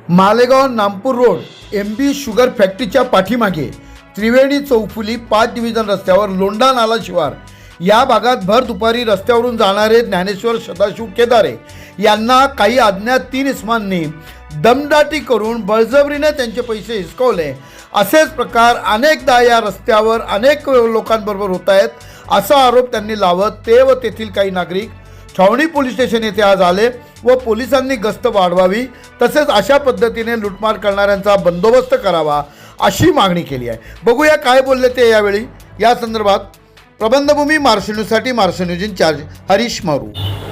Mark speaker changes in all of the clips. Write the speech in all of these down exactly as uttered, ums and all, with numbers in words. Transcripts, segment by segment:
Speaker 1: Malegaon Nampur road M B sugar फॅक्टरीच्या पाठीमागे त्रिवेणी चौफुली पाच डिव्हिजन रस्त्यावर लोंढा नाला शिवार या भागात भर दुपारी रस्त्यावरून जाणारे ज्ञानेश्वर सदाशिव केदारे यांना काही अज्ञात तीन इसमांनी दमदाटी करून बळजबरीने त्यांचे पैसे हिसकवले। असेच प्रकार अनेकदा या रस्त्यावर अनेक लोकांबरोबर होत आहेत असा आरोप त्यांनी लावत ते व तेथील काही नागरिक छावणी पोलीस स्टेशन येथे आज आले व पोलिसांनी गस्त वाढवावी तसेच अशा पद्धतीने लुटमार करणाऱ्यांचा बंदोबस्त करावा अशी मागणी केली आहे। बघूया काय बोलले ते यावेळी। या संदर्भात प्रबंधभूमी मार्शल न्यूजसाठी Marshal news incharge Harish Maru.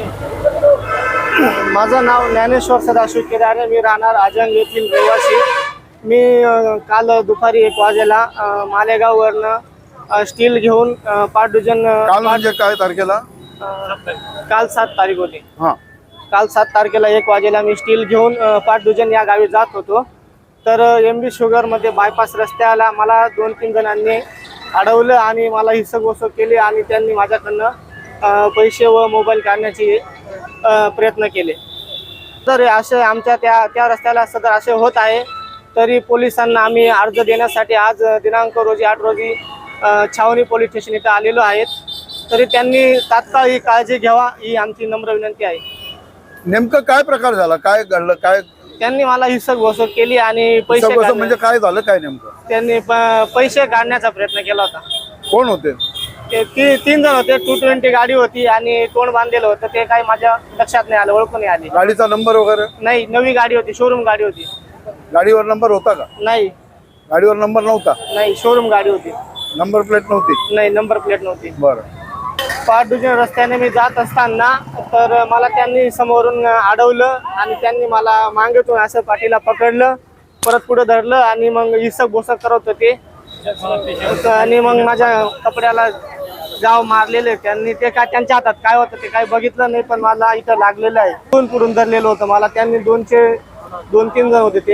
Speaker 2: माझं नाव ज्ञानेश्वर सदाशिव केदारे, मी राहणार आजंग येथील रहिवासी। मी काल दुपारी एक वाजेला मालेगाववरनं स्टील घेऊन पाच डझन
Speaker 1: काल म्हणजे काय तारखेला?
Speaker 2: काल सात तारीख होती।
Speaker 1: हां,
Speaker 2: काल सात तारखेला एक वाजेला मी स्टील घेऊन पाच डझन या गावी जात होतो। तर एम बी शुगरमध्ये बायपास रस्त्याला मला दोन तीन जणांनी अडवलं आणि मला हिसक केली आणि त्यांनी माझ्याकडनं पैसे व मोबाईल काढण्याची प्रयत्न केले। तर असे आमच्या त्या त्या रस्त्याला सदर असे होत आहे तरी पोलिसांना आम्ही अर्ज देण्यासाठी आज दिनांक रोजी आठ रोजी छावणी पोलीस स्टेशन इथं आलेलो आहेत। तरी त्यांनी तात्काळ ही काळजी घ्यावा ही आमची नम्र विनंती आहे।
Speaker 1: नेमकं काय प्रकार झाला, काय घडलं, काय
Speaker 2: त्यांनी मला हिसक घोषक केली आणि पैसे
Speaker 1: हिसक म्हणजे काय झालं, काय नेमकं?
Speaker 2: त्यांनी पैसे काढण्याचा प्रयत्न केला होता।
Speaker 1: कोण होते
Speaker 2: ते ती तीन जण होते। टू ट्वेंटी गाडी होती आणि तोंड बांधलेलं होतं, ते काही माझ्या लक्षात नाही आलं, ओळखून नाही आली।
Speaker 1: गाडीचा नंबर वगैरे
Speaker 2: नाही, नवी गाडी होती, शोरूम गाडी होती।
Speaker 1: गाडीवर नंबर होता का?
Speaker 2: नाही,
Speaker 1: गाडीवर नंबर नव्हता।
Speaker 2: नाही, शोरूम गाडी होती,
Speaker 1: नंबर प्लेट नव्हती।
Speaker 2: नाही, नंबर प्लेट नव्हती।
Speaker 1: बरं,
Speaker 2: पाच डझन रस्त्याने मी जात असताना तर मला त्यांनी समोरून अडवलं आणि त्यांनी मला मागेतून असं पाठीला पकडलं, परत पुढे धरलं आणि मग हिसक बोसक करत होते आणि मग माझ्या कपड्याला जाव मारलेले त्यांनी। ते काय त्यांच्या हातात काय होतं ते काय बघितलं नाही, पण मला इथं लागलेलं आहे, दोन पुढून धरलेलं होतं मला त्यांनी। दोनशे दोन तीन जण होते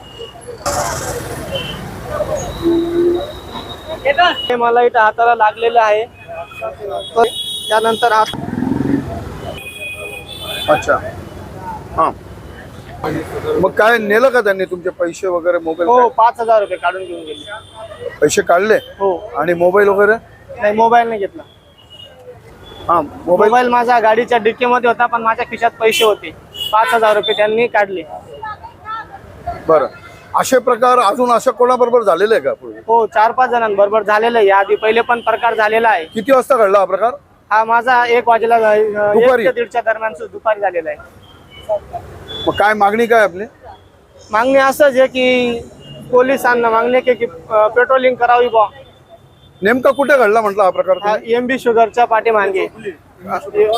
Speaker 2: ते मला इथं हाताला लागलेलं आहे। त्यानंतर हात
Speaker 1: अच्छा, हां, मग काय नेलं का त्यांनी तुमचे पैसे वगैरे, मोबाईल?
Speaker 2: हो, पाच हजार रुपये काढून घेऊन गेले।
Speaker 1: पैसे काढले?
Speaker 2: हो।
Speaker 1: आणि मोबाईल वगैरे?
Speaker 2: नाही, मोबाईल नाही घेतला।
Speaker 1: हां, मोबाईल
Speaker 2: मोबाईल माझा गाडीच्या डिक्कीमध्ये होता, पण माझ्या खिशात पैसे होते, पाच हजार रुपये त्यांनी काढले।
Speaker 1: बरं, असे प्रकार अजून अशा कोणाबरोबर झालेले आहे का पूर्वी?
Speaker 2: हो, चार पाच जणांबरोबर झालेलं आहे, याआधी पहिले पण प्रकार झालेला आहे।
Speaker 1: किती वाजता घडला हा प्रकार?
Speaker 2: हा माझा एक वाजेला
Speaker 1: दुपारी?
Speaker 2: एक ते दीडच्या दरम्यान दुपारी झालेला आहे।
Speaker 1: मग काय मागणी काय आपली?
Speaker 2: मागणी असंच आहे की पोलिसांना मागणी आहे की पेट्रोलिंग करावी बा।
Speaker 1: नेमका कुठे घडला म्हटलं हा प्रकार?
Speaker 2: हा एम बी शुगरच्या पाठीमागे,
Speaker 1: हा,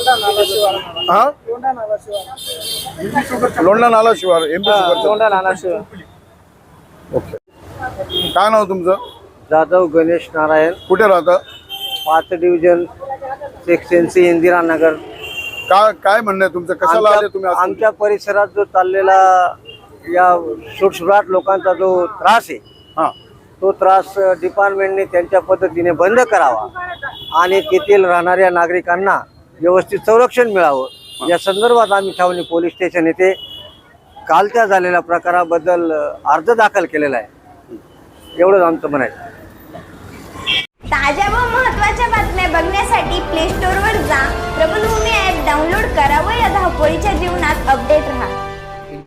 Speaker 1: लोंढा नाला शिवार, एम बी शुगर।
Speaker 2: लोंढा नाला शिवार।
Speaker 1: ओके, काय नाव तुमचं?
Speaker 3: जाधव गणेश नारायण,
Speaker 1: कुठे राहता?
Speaker 3: पाच division, section C, Indira Nagar.
Speaker 1: काय काय म्हणणं आहे तुमचं? कशाला आले तुम्ही?
Speaker 3: आमच्या आमच्या परिसरात जो चाललेला या सुटसुटाट लोकांचा जो त्रास आहे,
Speaker 1: हां,
Speaker 3: तो त्रास डिपार्टमेंटने त्यांच्या पद्धतीने बंद करावा आणि तेथील राहणाऱ्या नागरिकांना व्यवस्थित संरक्षण मिळावं या संदर्भात आम्ही छावणी पोलीस स्टेशन येथे कालच्या झालेल्या प्रकाराबद्दल अर्ज दाखल केलेला आहे। एवढंच आमचं म्हणायचं।
Speaker 4: ताज्या व महत्त्वाच्या बातम्या बघण्यासाठी प्ले स्टोअरवर जा, प्रबंधभूमी ॲप डाउनलोड करा व या धावपळीच्या जीवनात अपडेट